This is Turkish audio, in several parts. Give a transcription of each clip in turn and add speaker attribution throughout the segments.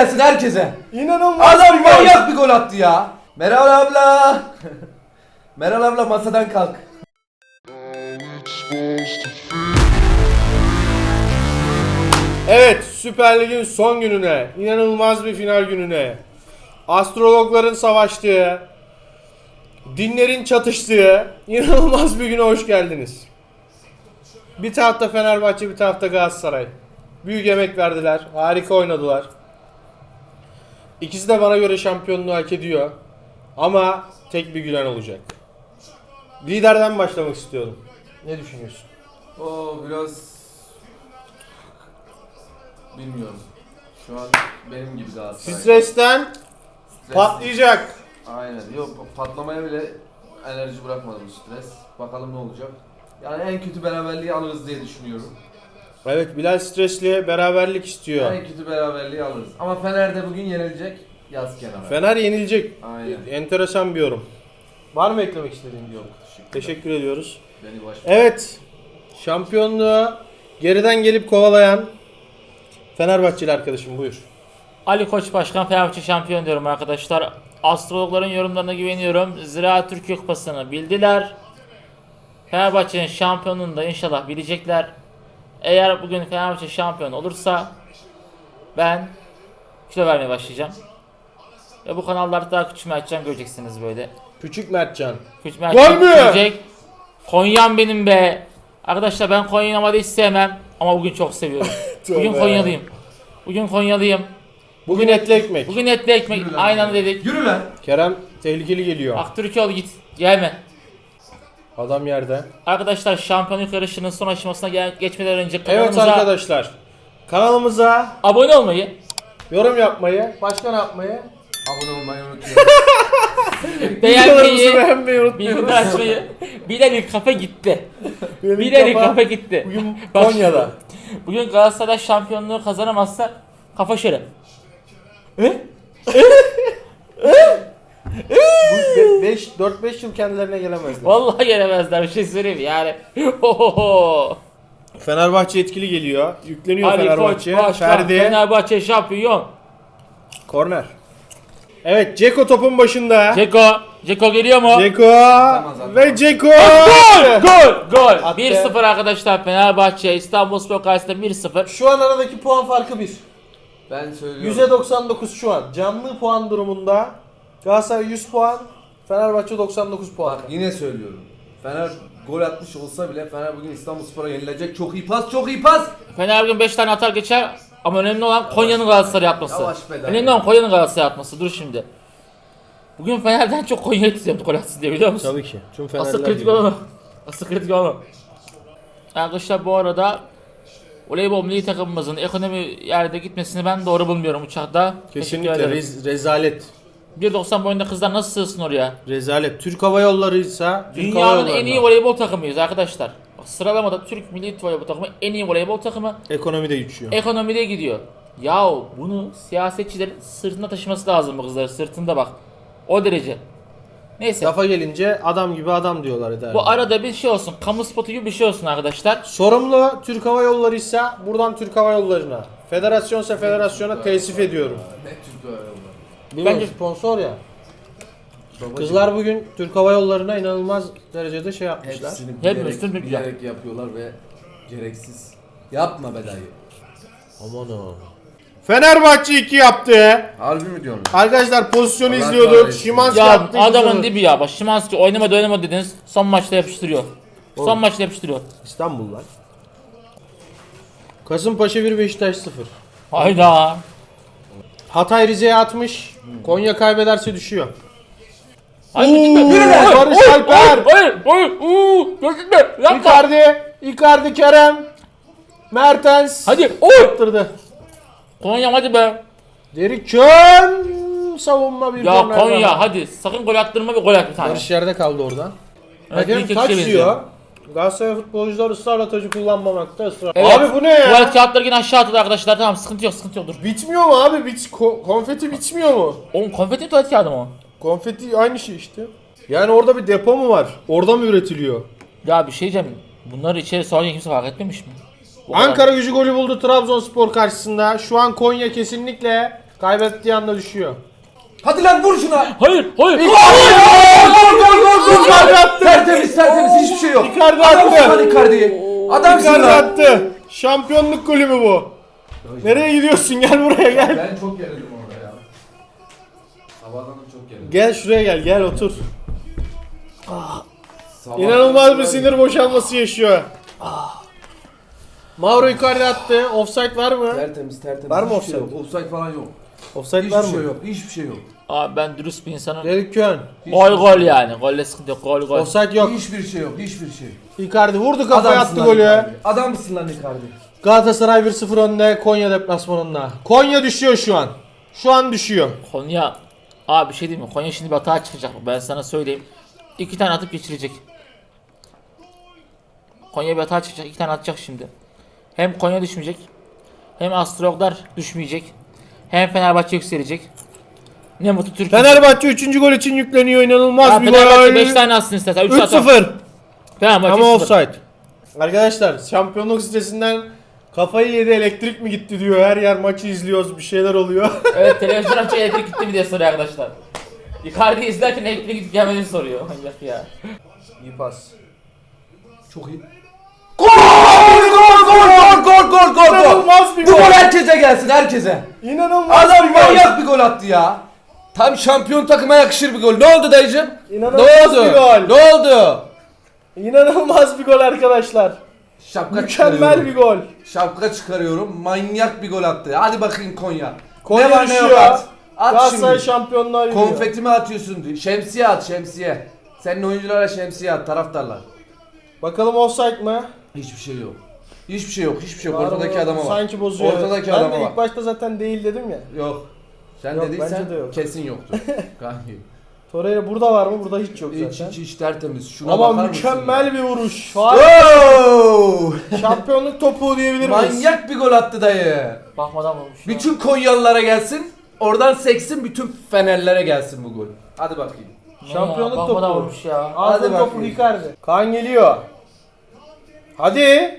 Speaker 1: gelsin herkese.
Speaker 2: İnanılmaz
Speaker 1: Adam
Speaker 2: bir gol.
Speaker 1: manyak bir gol attı ya. Meral abla. Meral abla masadan kalk.
Speaker 2: Evet, Süper Lig'in son gününe, inanılmaz bir final gününe, astrologların savaştığı, dinlerin çatıştığı inanılmaz bir güne hoş geldiniz. Bir tarafta Fenerbahçe, bir tarafta Galatasaray. Büyük emek verdiler, harika oynadılar. İkisi de bana göre şampiyonluğu hak ediyor. Ama tek bir gülen olacak. Liderden başlamak istiyorum. Ne düşünüyorsun?
Speaker 1: O biraz bilmiyorum. Şu an benim gibi Galatasaray.
Speaker 2: Stresten patlayacak.
Speaker 1: Aynen. Yok patlamaya bile enerji bırakmadı bu stres. Bakalım ne olacak. Yani en kötü beraberliği alırız diye düşünüyorum.
Speaker 2: Evet, Bilal stresli, beraberlik istiyor.
Speaker 1: En kötü beraberliği alırız. Ama Fener de bugün yenilecek. Yaz kenara.
Speaker 2: Fener yenilecek.
Speaker 1: Aynen.
Speaker 2: Enteresan bir yorum. Var mı eklemek istediğin bir yorum? Teşekkür ediyoruz.
Speaker 1: Beni baş.
Speaker 2: Evet, şampiyonluğu geriden gelip kovalayan Fenerbahçeli arkadaşım, buyur.
Speaker 3: Ali Koç Başkan Fenerbahçe şampiyon diyorum arkadaşlar. Astrologların yorumlarına güveniyorum. Ziraat Türkiye Kupası'nı bildiler. Fenerbahçe'nin şampiyonluğunu da inşallah bilecekler. Eğer bugün Fenerbahçe şampiyon olursa ben kilo vermeye başlayacağım. Ve bu kanallarda daha küçülme açacağım, göreceksiniz böyle.
Speaker 2: Küçük Mertcan.
Speaker 3: Küçülme
Speaker 2: Gol
Speaker 3: açacağım,
Speaker 2: mü?
Speaker 3: görecek. Konya'm benim be. Arkadaşlar ben Konya'yı normalde hiç sevmem. Ama bugün çok seviyorum. Bugün
Speaker 2: Tövbe.
Speaker 3: Konyalıyım. Bugün Konyalıyım.
Speaker 2: Bugün etli ekmek.
Speaker 3: Bugün etli ekmek.
Speaker 1: Yürü lan.
Speaker 3: Aynen dedik.
Speaker 1: Yürü lan.
Speaker 2: Kerem tehlikeli geliyor.
Speaker 3: Aktürkoğlu git. Gelme.
Speaker 2: Adam yerde.
Speaker 3: Arkadaşlar şampiyonluk yarışının son aşamasına geçmeden önce
Speaker 2: Evet
Speaker 3: kanalımıza
Speaker 2: arkadaşlar. Kanalımıza
Speaker 3: abone olmayı,
Speaker 2: yorum yapmayı, başka ne yapmayı?
Speaker 1: Abone olmayı unutmayın.
Speaker 2: Videolarımızı
Speaker 3: beğenmeyi,
Speaker 2: beğenmeyi unutmayın.
Speaker 3: bildirim açmayı. Bilal'in kafa gitti.
Speaker 2: Benim
Speaker 3: Bilal'in
Speaker 2: kafa
Speaker 3: kafa gitti.
Speaker 2: Bugün
Speaker 3: Bak,
Speaker 2: Konya'da.
Speaker 3: Bugün Galatasaray şampiyonluğu kazanamazsa kafa şöyle.
Speaker 2: Bu 4-5 yıl kendilerine gelemezler.
Speaker 3: Vallahi gelemezler, bir şey söyleyeyim mi? Yani. Hohoho.
Speaker 2: Fenerbahçe etkili geliyor. Yükleniyor
Speaker 3: Ali Koç
Speaker 2: Fenerbahçe.
Speaker 3: Başkan
Speaker 2: Ferdi.
Speaker 3: Fenerbahçe şampiyon.
Speaker 2: Korner. Evet, Ceko topun başında.
Speaker 3: Ceko geliyor mu?
Speaker 2: Ceko ve Ceko.
Speaker 3: Gol!
Speaker 2: Attı.
Speaker 3: 1-0 arkadaşlar, Fenerbahçe İstanbulspor karşısında 1-0.
Speaker 2: Şu an aradaki puan farkı 1.
Speaker 1: Ben söylüyorum.
Speaker 2: %99 şu an. Canlı puan durumunda Galatasaray 100 puan, Fenerbahçe 99 puan.
Speaker 1: Bak yine söylüyorum. Fener gol atmış olsa bile Fener bugün İstanbulspor'a yenilecek. Çok iyi pas, çok iyi pas.
Speaker 3: Fener bugün 5 tane atar geçer ama önemli olan Konya'nın Galatasaray'a atması.
Speaker 1: Yavaş be,
Speaker 3: Önemli olan Konya'nın Galatasaray'a atması. Dur şimdi. Bugün Fener'den çok Konya'yı tutuyorum gol atsın diye, biliyor musun?
Speaker 2: Tabii ki. Tüm
Speaker 3: Asıl
Speaker 2: Fenerler
Speaker 3: kritik
Speaker 2: gibi.
Speaker 3: olan o. Asıl kritik olan o. Arkadaşlar bu arada voleybol milli takımımızın ekonomi yerde gitmesini ben doğru bulmuyorum uçakta.
Speaker 2: Kesinlikle
Speaker 3: Teşekkür ederim.
Speaker 2: rezalet.
Speaker 3: 1.90 boyunda kızlar nasıl sığsın oraya?
Speaker 2: Rezalet. Türk Hava Yolları ise
Speaker 3: Dünyanın en iyi voleybol takımıyız arkadaşlar. Bak, sıralamada Türk milli voleybol takımı en iyi voleybol takımı.
Speaker 2: ekonomide uçuyor.
Speaker 3: Ekonomide gidiyor. Yahu bunu siyasetçilerin sırtında taşıması lazım, bu kızları sırtında bak. O derece. Neyse.
Speaker 2: Lafa gelince adam gibi adam diyorlar eder.
Speaker 3: Bu arada bir şey olsun. Kamu spotu gibi bir şey olsun arkadaşlar.
Speaker 2: Sorumlu Türk Hava Yolları ise buradan Türk Hava Yolları'na, federasyonsa federasyona teessüf ediyorum.
Speaker 1: Ne Türk öyle oldu.
Speaker 2: Bence
Speaker 3: Bence-
Speaker 2: sponsor ya. Kızlar bugün Türk Hava Yolları'na inanılmaz derecede şey yapmışlar.
Speaker 1: Hepsini
Speaker 3: Hepimiz Türk müyüz ya?
Speaker 1: bilerek yapıyorlar ve gereksiz. Yapma be dayı.
Speaker 2: Aman o. Fenerbahçe 2 yaptı.
Speaker 1: Harbi mi diyorsun?
Speaker 2: Arkadaşlar pozisyonu
Speaker 1: Allah
Speaker 2: izliyorduk.
Speaker 1: kahretsin.
Speaker 2: Şimanski
Speaker 3: Ya
Speaker 2: attı.
Speaker 3: adamın
Speaker 2: 2-0.
Speaker 3: dibi ya. Bak Szymański oynamadı dediniz. Son maçta yapıştırıyor. Son maçta yapıştırıyor.
Speaker 2: İstanbul'lar. Kasımpaşa 1 Beşiktaş 0.
Speaker 3: Hayda.
Speaker 2: Hatay Rize'ye atmış. Konya kaybederse düşüyor.
Speaker 3: Hayır,
Speaker 2: Oo,
Speaker 3: gitme.
Speaker 2: Barış Alper.
Speaker 3: Hayır. Gitme. Yapma.
Speaker 2: Icardi Kerem. Mertens.
Speaker 3: Hadi.
Speaker 2: Attırdı.
Speaker 3: Konya hadi be.
Speaker 2: Derrick Kön. Savunma bir
Speaker 3: Ya
Speaker 2: korner
Speaker 3: Konya
Speaker 2: daha.
Speaker 3: hadi. Sakın gol attırma, bir gol at bir tane.
Speaker 2: Barış yerde kaldı oradan.
Speaker 3: Evet,
Speaker 2: Hakem
Speaker 3: ilk
Speaker 2: taç
Speaker 3: ikisi
Speaker 2: diyor.
Speaker 3: benziyor.
Speaker 2: Galatasaray futbolcular ısrarla tacı kullanmamakta ısrar.
Speaker 3: Evet,
Speaker 2: Abi bu ne ya?
Speaker 3: Tuvalet kağıtları yine aşağı atıldı arkadaşlar. Tamam, sıkıntı yok dur.
Speaker 2: Bitmiyor mu abi? Konfeti bitmiyor mu?
Speaker 3: Oğlum konfeti tuvalet kağıdı mı o?
Speaker 2: Konfeti aynı şey işte. Yani orada bir depo mu var? Orada mı üretiliyor?
Speaker 3: Ya bir şey diyeceğim. Bunları içeri soğanca kimse fark etmemiş mi? Bu kadar.
Speaker 2: Ankara Gücü golü buldu Trabzonspor karşısında. Şu an Konya kesinlikle Kaybettiği anda düşüyor.
Speaker 1: Hadi lan vur şuna.
Speaker 3: Hayır, hayır.
Speaker 1: Gol.
Speaker 2: Icardi attı.
Speaker 1: Tertemiz hiçbir şey yok.
Speaker 2: Icardi
Speaker 1: Adamsın
Speaker 2: attı.
Speaker 1: lan Icardi'yi. Adamsın
Speaker 2: Icardi
Speaker 1: lan.
Speaker 2: attı. Şampiyonluk golü mü bu? Nereye gidiyorsun? Gel buraya gel.
Speaker 1: Ben çok gerildim orada ya. Sabahdan da çok gerildim.
Speaker 2: Gel şuraya gel. Gel otur.
Speaker 1: Sabahtan
Speaker 2: İnanılmaz bir sinir boşalması yaşıyor. Mauro Icardi attı. Offside var mı?
Speaker 1: Tertemiz.
Speaker 2: Var mı
Speaker 1: Hiçbir şey
Speaker 2: offside?
Speaker 1: yok. Offside falan yok.
Speaker 2: Offside var
Speaker 1: Hiçbir
Speaker 2: mı?
Speaker 1: şey yok. Hiçbir şey yok.
Speaker 3: Abi ben dürüst bir insanım.
Speaker 2: Derek Kön.
Speaker 3: Gol yani. Golle sıkıntı yok. Gol.
Speaker 2: Offside yok.
Speaker 1: Hiçbir şey yok. Hiçbir şey.
Speaker 2: Icardi vurdu kafaya
Speaker 1: Adamsın
Speaker 2: attı
Speaker 1: lan
Speaker 2: golü.
Speaker 1: Icardi. Adamsın lan Icardi.
Speaker 2: Galatasaray 1-0 önde Konya deplasmanında. Konya düşüyor şu an. Şu an düşüyor.
Speaker 3: Konya. Abi bir şey diyeyim mi? Konya şimdi bir hata çıkacak. Ben sana söyleyeyim. 2 tane atıp geçirecek. Konya bir hata çıkacak. 2 tane atacak şimdi. Hem Konya düşmeyecek. Hem Astrologlar düşmeyecek. Hem Fenerbahçe yükselecek. Ne mutlu Türkiye.
Speaker 2: Fenerbahçe 3. gol için yükleniyor. İnanılmaz
Speaker 3: Ya
Speaker 2: bir
Speaker 3: Fenerbahçe
Speaker 2: gol.
Speaker 3: 5 tane atsın istersen. 3 atar.
Speaker 2: 3-0.
Speaker 3: Fenerbahçe
Speaker 2: Ama
Speaker 3: 0.
Speaker 2: offside. Arkadaşlar şampiyonluk stresinden kafayı yedi, elektrik mi gitti diyor. Her yer maçı izliyoruz, bir şeyler oluyor.
Speaker 3: Evet, televizyon açıp elektrik gitti mi diye soruyor arkadaşlar. Icardi izlerken elektrik gidip gelmediğini soruyor. Manyak ya.
Speaker 2: İyi pas.
Speaker 1: Çok iyi. Gol.
Speaker 2: İnanılmaz bir
Speaker 1: Bu
Speaker 2: gol.
Speaker 1: gol herkese gelsin, herkese.
Speaker 2: İnanılmaz
Speaker 1: Adam
Speaker 2: bir gol.
Speaker 1: manyak bir gol attı ya. Tam şampiyon takıma yakışır bir gol. Ne oldu dayıcım?
Speaker 2: İnanılmaz
Speaker 1: Ne oldu?
Speaker 2: bir gol.
Speaker 1: Ne oldu?
Speaker 2: İnanılmaz bir gol arkadaşlar.
Speaker 1: Şapka
Speaker 2: Mükemmel
Speaker 1: çıkarıyorum.
Speaker 2: bir gol.
Speaker 1: Şapka çıkarıyorum. Manyak bir gol attı. Hadi bakayım Konya.
Speaker 2: Konya
Speaker 1: ne var ne yok
Speaker 2: düşüyor.
Speaker 1: at. At
Speaker 2: Galatasaray
Speaker 1: şimdi.
Speaker 2: şampiyonluğa yürüyor.
Speaker 1: Konfetimi atıyorsun. Şemsiye at, şemsiye. Senin oyunculara şemsiye at, taraftarlar.
Speaker 2: Bakalım offside mı?
Speaker 1: Hiçbir şey yok. Hiçbir şey yok.
Speaker 2: Var
Speaker 1: Ortadaki
Speaker 2: mı?
Speaker 1: adama bak.
Speaker 2: Sanki bozuyor.
Speaker 1: Ortadaki
Speaker 2: ben
Speaker 1: adama
Speaker 2: de
Speaker 1: bak.
Speaker 2: ilk başta zaten değil dedim ya.
Speaker 1: Yok. Sen
Speaker 2: Yok,
Speaker 1: dediysen
Speaker 2: bence de yok.
Speaker 1: kesin yoktu. Kanki.
Speaker 2: Torreira burada var mı? Burada hiç yok
Speaker 1: Hiç
Speaker 2: zaten.
Speaker 1: hiç tertemiz. Şuna
Speaker 2: Ama
Speaker 1: bakar mısın
Speaker 2: mükemmel
Speaker 1: ya?
Speaker 2: bir vuruş.
Speaker 1: Oo!
Speaker 2: Şampiyonluk topuğu diyebilir miyiz?
Speaker 1: Manyak bir gol attı dayı.
Speaker 3: Bakmadan vurmuş ya.
Speaker 1: Bütün Konyalılara gelsin. Oradan seksin, bütün Fenerlere gelsin bu gol. Hadi bakayım.
Speaker 2: Şampiyonluk
Speaker 3: ya, bakmadan
Speaker 2: topu.
Speaker 3: vurmuş ya.
Speaker 2: Altın
Speaker 1: Hadi
Speaker 2: topu
Speaker 1: bakayım.
Speaker 2: Icardi. Kaan geliyor. Hadi.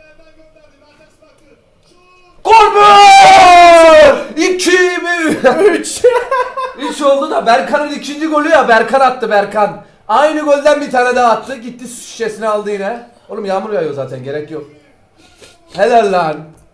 Speaker 1: Gol mü? 2 mi?
Speaker 2: 3.
Speaker 1: 3 oldu da Berkan'ın ikinci golü ya, Berkan attı Berkan. Aynı golden bir tane daha attı. Gitti su şişesini aldı yine. Oğlum yağmur yağıyor zaten, gerek yok. Helal lan.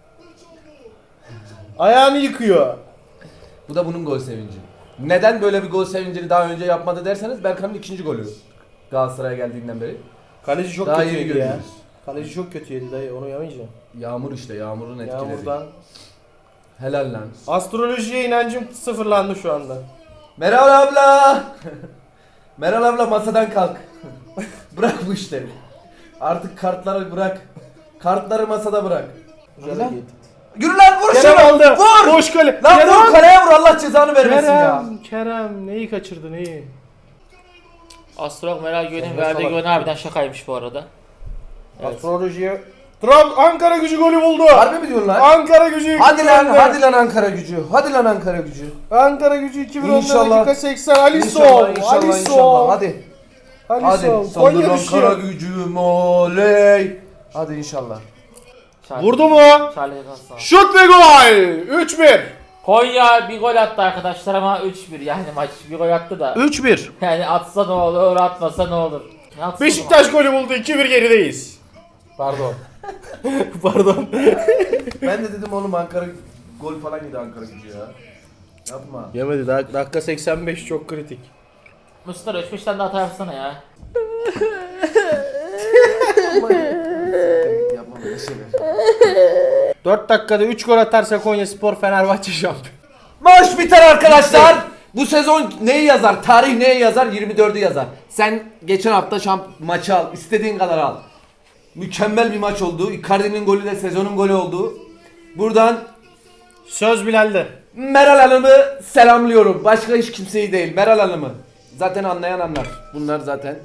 Speaker 2: Ayağını yıkıyor.
Speaker 1: Bu da bunun gol sevinci. Neden böyle bir gol sevincini daha önce yapmadı derseniz, Berkan'ın ikinci golü. Galatasaray'a geldiğinden beri.
Speaker 2: Kaleci çok
Speaker 1: Daha
Speaker 2: kötü
Speaker 1: yeni
Speaker 2: yedi ya.
Speaker 1: görüyoruz.
Speaker 2: Kaleci çok kötü yedi dayı, onu yamayacağım.
Speaker 1: Yağmur işte, yağmurun etkileri.
Speaker 2: Yağmurdan.
Speaker 1: Helal lan.
Speaker 2: Astrolojiye inancım sıfırlandı şu anda.
Speaker 1: Meral abla. Meral abla masadan kalk. Bırak bu işleri. Artık kartları bırak. Kartları masada bırak. Hadi lan. Yürü lan, vur
Speaker 2: Kerem
Speaker 1: şunu.
Speaker 2: aldı.
Speaker 1: Vur.
Speaker 2: Boş kale.
Speaker 1: Lan
Speaker 2: Kerem.
Speaker 1: vur, kaleye vur, Allah cezanı vermesin ya.
Speaker 2: Kerem neyi kaçırdı neyi?
Speaker 3: Astrolog Meral Güven'in
Speaker 2: Sen
Speaker 3: verdiği
Speaker 2: salak.
Speaker 3: güven harbiden şakaymış bu arada. Evet.
Speaker 2: Astrolojiye. Ankara Gücü golü buldu.
Speaker 1: Harbi mi diyorsun lan?
Speaker 2: Ankara Gücü.
Speaker 1: Hadi lan,
Speaker 2: yüklendi.
Speaker 1: hadi lan Ankara Gücü. Hadi lan Ankara Gücü.
Speaker 2: Ankara Gücü 2010
Speaker 1: İnşallah.
Speaker 2: dakika 80. Alisson.
Speaker 1: İnşallah.
Speaker 2: Alisson.
Speaker 1: Hadi. Hadi.
Speaker 2: Alisson.
Speaker 1: Saldır
Speaker 2: Konya
Speaker 1: Ankara
Speaker 2: düşüyor.
Speaker 1: Gücüm oley. Hadi inşallah.
Speaker 3: Charlie-
Speaker 2: Vurdu mu?
Speaker 3: Charlie Hasan.
Speaker 2: Şut ve gol. 3-1.
Speaker 3: Konya bir gol attı arkadaşlar ama 3-1 yani maç bir gol attı da.
Speaker 2: 3-1.
Speaker 3: Yani atsa ne olur, atmasa ne olur. Ne atsın
Speaker 2: Beşiktaş golü buldu. 2-1 gerideyiz.
Speaker 1: Pardon.
Speaker 2: Pardon.
Speaker 1: Ben de dedim oğlum, Ankara gol falan yedi Ankara Gücü ya. Yapma.
Speaker 2: Yemedi. Dakika 85 çok kritik.
Speaker 3: Mustafa 3-5 tane de hata yapsana ya.
Speaker 1: Yapma böyle şeyler.
Speaker 2: 4 dakikada 3 gol atarsa Konyaspor Fenerbahçe şampiyon.
Speaker 1: Maç biter arkadaşlar. Bu sezon neyi yazar? Tarih neyi yazar? 24'ü yazar. Sen geçen hafta maçı al. İstediğin kadar al. Mükemmel bir maç oldu. Icardi'nin golü de sezonun golü oldu. Buradan
Speaker 2: Söz Bilal'de.
Speaker 1: Meral Hanım'ı selamlıyorum. Başka hiç kimseyi değil. Meral Hanım'ı. Zaten anlayan anlar. Bunlar zaten.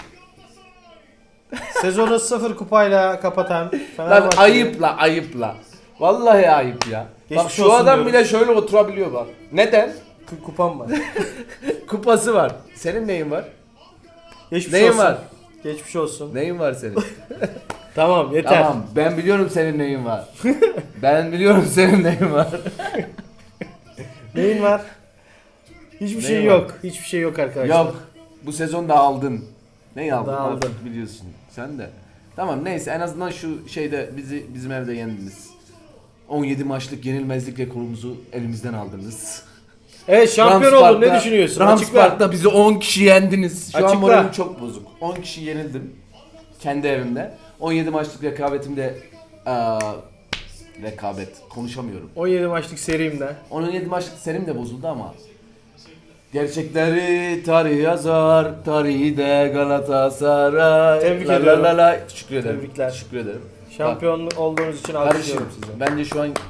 Speaker 2: Sezonu 0 kupayla kapatan
Speaker 1: Lan
Speaker 2: Fenerbahçe.
Speaker 1: ayıpla. Vallahi ayıp ya.
Speaker 2: Geçmiş
Speaker 1: bak şu
Speaker 2: olsun
Speaker 1: adam
Speaker 2: diyorum.
Speaker 1: bile şöyle oturabiliyor bak. Neden?
Speaker 2: Kupam var.
Speaker 1: Kupası var. Senin neyin var?
Speaker 2: Geçmiş
Speaker 1: Neyin
Speaker 2: olsun.
Speaker 1: var?
Speaker 2: Geçmiş olsun.
Speaker 1: Neyin var senin?
Speaker 2: Tamam yeter.
Speaker 1: Tamam, ben biliyorum senin neyin var. Ben biliyorum senin neyin var.
Speaker 2: Neyin var? Hiçbir
Speaker 1: Neyin
Speaker 2: şey
Speaker 1: var?
Speaker 2: yok. Hiçbir şey yok arkadaşlar.
Speaker 1: Yok. Bu sezon da aldın. Neyi aldın?
Speaker 2: Dağıldın.
Speaker 1: Artık biliyorsun. Sen de. Tamam neyse en azından şu şeyde bizim evde yendiniz. 17 maçlık yenilmezlik rekorumuzu elimizden aldınız.
Speaker 2: Evet şampiyon
Speaker 1: Rams
Speaker 2: oldun. Ne
Speaker 1: Park'ta-
Speaker 2: düşünüyorsun?
Speaker 1: Rams
Speaker 2: Açıkla.
Speaker 1: Park'ta bizi 10 kişi yendiniz. Şu an
Speaker 2: Açıkla.
Speaker 1: moralim çok bozuk. 10 kişi yenildim. Kendi evimde. 17 maçlık rekabetimde rekabet. Konuşamıyorum.
Speaker 2: 17 maçlık serimde.
Speaker 1: 17 maçlık serim de bozuldu ama gerçekleri tarih yazar, tarihi de Galatasaray.
Speaker 2: Tebrik
Speaker 1: La la
Speaker 2: ediyorum.
Speaker 1: la la. Teşekkür ederim.
Speaker 2: Tebrikler.
Speaker 1: Teşekkür ederim.
Speaker 2: Şampiyon olduğunuz için
Speaker 1: Kardeşim
Speaker 2: alkışlıyorum sizi.
Speaker 1: bence şu an